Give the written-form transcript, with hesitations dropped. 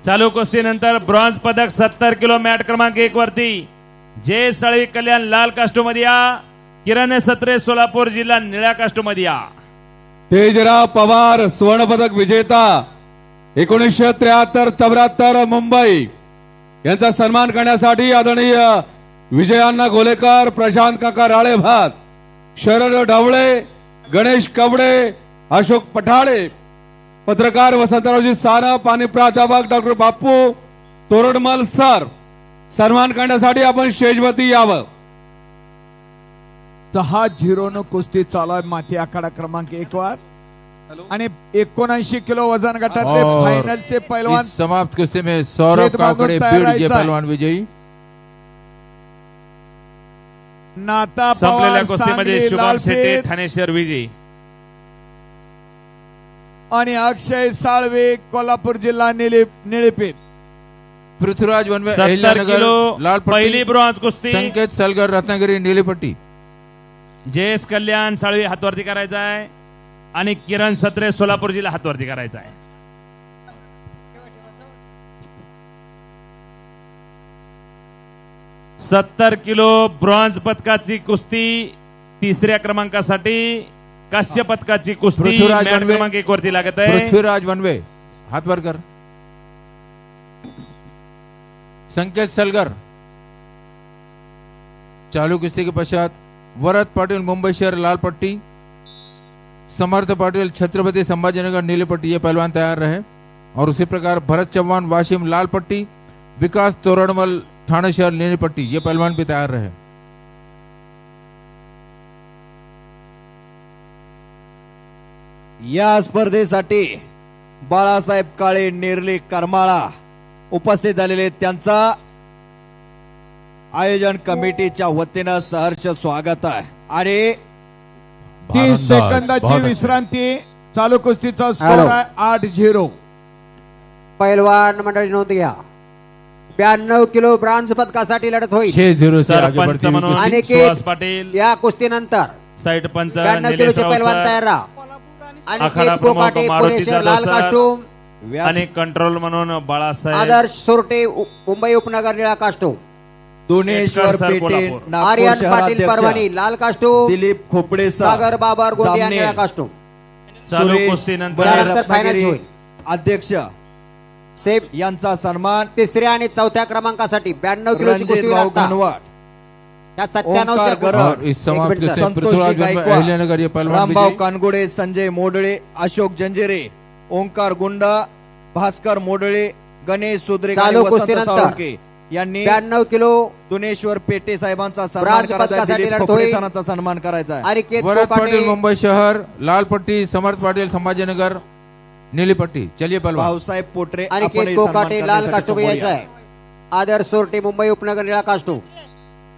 चालू कुस्तीनंतर ब्रॉन्झ पदक 70 kilo mat क्रमांक 1 वरती जय सळवी कल्याण लाल कास्टूम मध्ये या, किरण सत्रे सोलापूर जिल्हा निळ्या कास्टूम मध्ये या. तेजराव पवार स्वर्ण पदक विजेता 1973-74 मुंबई यांचा सन्मान करण्यासाठी आदरणीय विजयाण्णा गोलेकर, प्रशांत काका राळेभात, शरद ढवळे, गणेश कवडे, अशोक पठाळे, पत्रकार वसंतरावजी सानप आणि प्राध्यापक डॉक्टर बापू तोरडमल सर सन्मान करण्यासाठी आपण स्टेजवरती यावं. 10-0 न कुस्ती चालू आहे माती आखाडा क्रमांक 1 वर आणि 79 किलो वजन गटातले फायनलचे पैलवान समाप्त कुस्ती में सौरभ काकडे बीड ये पहलवान विजयी. नाता संपलेल्या पवार कुस्तीमध्ये सांगली शुभम शेट्टी लालपेठ ठाणे शहर विजयी आणि अक्षय साळवे कोल्हापूर जिल्हा निळेपेठ. पृथ्वीराज वनवे 70 अहिल्यानगर किलो लाल पहिली पट्टी, ब्रॉन्झ कुस्ती संकेत सलगर रत्नागिरी नीली पट्टी. जयेश कल्याण साळवी हातवरती करायचा आहे आणि किरण सत्रे सोलापूर जिल्हा हातवरती करायचा आहे. सत्तर किलो ब्रॉन्झ पदकाची कुस्ती तिसऱ्या क्रमांकासाठी, कांस्य पदकाची कुस्ती पृथ्वीराज मॅट वनवे. क्रमांक 1 वरती लागत आहे. पृथ्वीराज वनवे हाथ वर कर. संकेत सलगर. चालू कुश्ती के पश्चात वरद पाटिल मुंबई शहर लाल पट्टी, समर्थ पाटिल छत्रपति संभाजीनगर नीली पट्टी ये पहलवान तैयार रहे. और उसी प्रकार भरत चौहान वाशिम लाल पट्टी, विकास तोरणमल ठाणे शहर नीली पट्टी ये पहलवान भी तैयार रहे. या स्पर्धेसाठी बाळासाहेब काळे नेरले करमाळा उपस्थित झालेले त्यांचा आयोजन कमिटीच्या वतीनं सहर्ष स्वागत आहे. आणि 30 सेकंदाची विश्रांती. चालू कुस्तीचा स्कोर आहे 8-0. पैलवान मंडळी नोंद घ्या. 92 किलो ब्रॉन्झ पदकासाठी लढत होईल. 6-0 से आगे सरपंच बढ़ती हुई म्हणून कुश्ती. अनिकेत सुहास पाटील, या कुस्तीनंतर साईड पंच 92 निलेश किलोचे राव पैलवान सर, तयार राहा. आखाडा अनिकेत प्रमुख कोकाटे मारुती पुणे शहर जाधव लाल सर. कास्टूम, आणि कंट्रोल म्हणून बाळासाहेब आदर्श सोरटे मुंबई उपनगर निळा कास्टूम, दोनेश्वर एटकर सर, पेटे कोल्हापूर. नागपूर आर्यन पाटील शहराध्यक्ष परभणी लाल कास्टूम, दिलीप खोपडे सागर बाबर गोंदिया जामनेर, निळा कास्टूम. चालू सुरेश कुस्तीनंतर त्यानंतर फायनल रत्नागिरी होईल. अध्यक्ष सेम यांचा सन्मान. तिसऱ्या आणि चौथ्या क्रमांकासाठी 92 किलोची कुस्ती रणजित होईल राव आता. घनवाट, या ओंकार 97च्या गरड, और इस समाप्त एक मिनट कुश्ती सर. में पृथ्वीराज वनवे गायकवाड, अहिल्यानगर ये पहलवान रामभाऊ विजयी. कानगोडे, संजय मोडळे, अशोक जंजेरे, ओंकार गुंडा, भास्कर मोडळे, गणेश सुद्रेक आणि चालू वसंत कुस्तीनंतर साळुंके यांनी 92 किलो दोनेश्वर पेटे साहेबांचा सन्मान ब्रॉन्झ करायचा आहे. पदकासाठी दिलीप लढत खोपडे होईल. सरांचा सन्मान करायचा आहे. अनिकेत वरद पाटिल कोकाटे, मुंबई शहर लाल पट्टी, समर्थ पाटिल संभाजीनगर नीली पट्टी. चलिए पहलवान. भाऊसाहेब पोटरे अनिकेत आपणही सन्मान कोकाटे लाल करण्यासाठी कास्टूम समोर यायचा या. आहे. आदर्श सोरटे मुंबई उपनगर निळा कास्टूम.